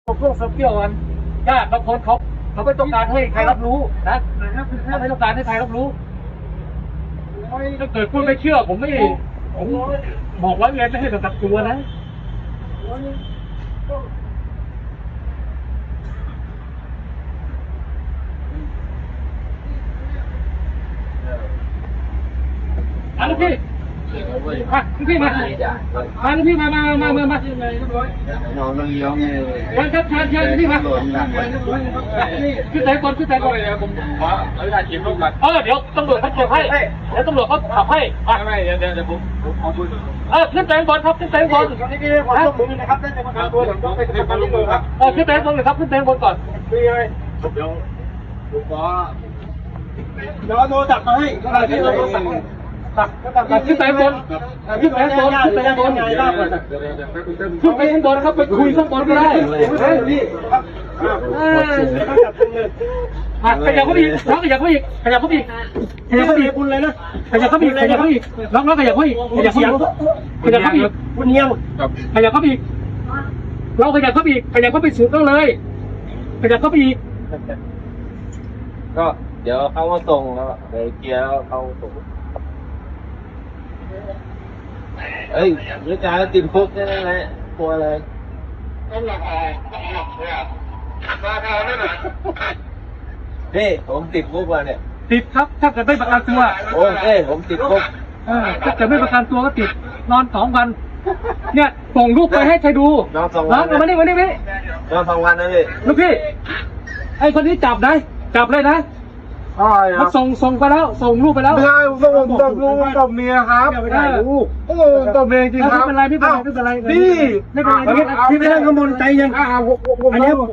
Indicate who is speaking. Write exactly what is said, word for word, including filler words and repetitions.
Speaker 1: พวกโซเชียลกันญาติบางคนเขาเขาไม่ต้องการให้ใครรับรู้นะเขาไม่ต้องการให้ใครรับรู้ถ้าเกิดคุณไม่เชื่อผมไม่ผมบอกว่าเงินไม่ให้กับตัวนะอันนี้พี่มาพี่มามาพี่มามามามามา
Speaker 2: น้องต้องย้อมเลย
Speaker 1: วันครับเชิญเชิญพี่มาขึ้นไหนก่อนขึ้นไหนก่อนผมขออนุญาตกินร่วมกันเออเดี๋ยวตำรวจเขาเก็บให้เดี๋ยวตำรวจเขาขับให้ไม่เดี๋ยวเดี๋ยวผมขอคุยเออขึ้นไหนก่อนครับขึ้นไหนก่อนนี่พี่ขอต้องมือนะครับได้ประกันตัวเดี๋ยวต้องไปประกันตัวครับเออขึ้นไหนก่อนเลยครับขึ้นไหนก่อนก่อนพี่เลยเดี๋ยวผมขอเดี๋ยวโทรศัพท์มาให้ที่เราโทรศัพท์ขึ้นไปบนขึ้นไปบนขึ้นไปบนไงล่ะขึ้นไปข้างบนครับไปคุยข้างบนก็ได้พี่ขยับเข้าไปอีกน้องขยับเข้าไปอีกขยับเข้าไปอีกขยับเข้าไปอีกคุณเลยนะขยับเข้าไปอีกขยับเข้าไปอีกน้องน้องขยับเข้าไปอีกขยับเข้าไปอีกขยับเข้าไปอีกคุณเนียงขยับเข้าไปอีกเราขยับเข้าไปอีกขยับเข้าไปสุดต้องเลยขยับเข้าไปอีก
Speaker 2: ก็เดี๋ยวเขามาส่งแล้วเดี๋ยวเกียร์แล้วเขาส่งเอ้ยวิจารณ์ติดคุกนี่แหละกลัวอะไรนี่ผมติดคุกมาเนี่ย
Speaker 1: ติดครับถ้าเกิดไม่ประกันตัว
Speaker 2: โอเคผมติดคุก
Speaker 1: เออถ้าเกิดไม่ประกันตัวก็ติดนอนสองวันเนี่ยส่งรูปไปให้ใครดู
Speaker 2: นอนสองวัน
Speaker 1: มานี่มานี่มานี่
Speaker 2: นอนสองวันนะพี่
Speaker 1: ลูกพี่ไอ้คนนี้จับได้จับเลยนะเขาส่งส่งไปแล้วส่งรูปไปแล้ว
Speaker 3: ไม่ใช่ส่งกับลูกกับเมียครับ
Speaker 1: ไม่ได้ลูก
Speaker 3: โอ้กับเมียจริงครับ
Speaker 1: ไม่เป็นไรไม่เป็นไรไม่เป็นไร
Speaker 3: นี่
Speaker 1: ไม่เป็นไรพี่ไม่ได้ขโมยใจยังอันนี้